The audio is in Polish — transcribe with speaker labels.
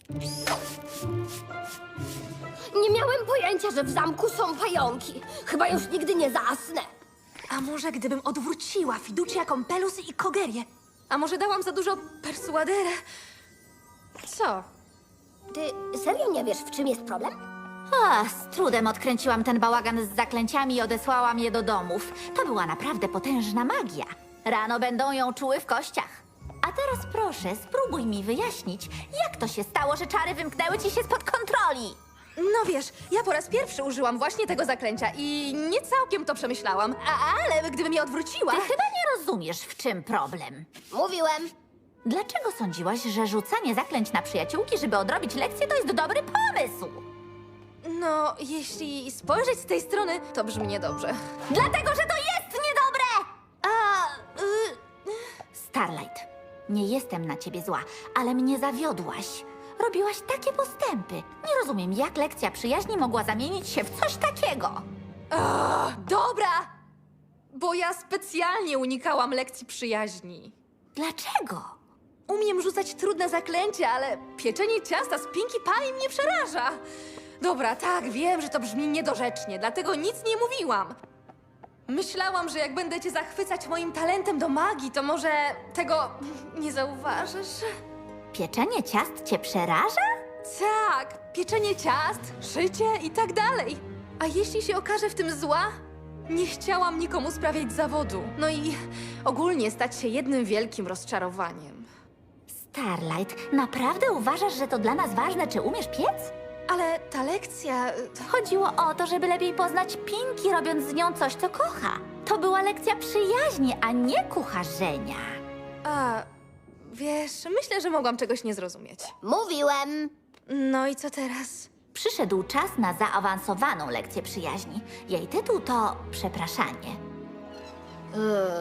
Speaker 1: Nie miałem pojęcia, że w zamku są pająki. Chyba już nigdy nie zasnę.
Speaker 2: A może gdybym odwróciła Fiducia, Compelus i Kogerię? A może dałam za dużo persuadera? Co?
Speaker 1: Ty serio nie wiesz, w czym jest problem?
Speaker 3: Z trudem odkręciłam ten bałagan z zaklęciami i odesłałam je do domów. To była naprawdę potężna magia. Rano będą ją czuły w kościach. A teraz proszę, spróbuj mi wyjaśnić, jak to się stało, że czary wymknęły ci się spod kontroli.
Speaker 2: No wiesz, ja po raz pierwszy użyłam właśnie tego zaklęcia i nie całkiem to przemyślałam. Ale gdybym je odwróciła...
Speaker 3: Ty chyba nie rozumiesz, w czym problem.
Speaker 1: Mówiłem.
Speaker 3: Dlaczego sądziłaś, że rzucanie zaklęć na przyjaciółki, żeby odrobić lekcję, to jest dobry pomysł?
Speaker 2: No, jeśli spojrzeć z tej strony, to brzmi niedobrze.
Speaker 3: Dlatego, że to jest niedobre! Starlight, nie jestem na ciebie zła, ale mnie zawiodłaś. Robiłaś takie postępy. Nie rozumiem, jak lekcja przyjaźni mogła zamienić się w coś takiego.
Speaker 2: Dobra! Bo ja specjalnie unikałam lekcji przyjaźni.
Speaker 3: Dlaczego?
Speaker 2: Umiem rzucać trudne zaklęcia, ale pieczenie ciasta z Pinkie Pie mnie przeraża. Dobra, tak, wiem, że to brzmi niedorzecznie, dlatego nic nie mówiłam. Myślałam, że jak będę cię zachwycać moim talentem do magii, to może tego nie zauważysz?
Speaker 3: Pieczenie ciast cię przeraża?
Speaker 2: Tak, pieczenie ciast, szycie i tak dalej. A jeśli się okaże w tym zła? Nie chciałam nikomu sprawiać zawodu. No i ogólnie stać się jednym wielkim rozczarowaniem.
Speaker 3: Starlight, naprawdę uważasz, że to dla nas ważne, czy umiesz piec?
Speaker 2: Ale ta lekcja...
Speaker 3: Chodziło o to, żeby lepiej poznać Pinki, robiąc z nią coś, co kocha. To była lekcja przyjaźni, a nie kucharzenia.
Speaker 2: Wiesz, myślę, że mogłam czegoś nie zrozumieć.
Speaker 1: Mówiłem.
Speaker 2: No i co teraz?
Speaker 3: Przyszedł czas na zaawansowaną lekcję przyjaźni. Jej tytuł to Przepraszanie.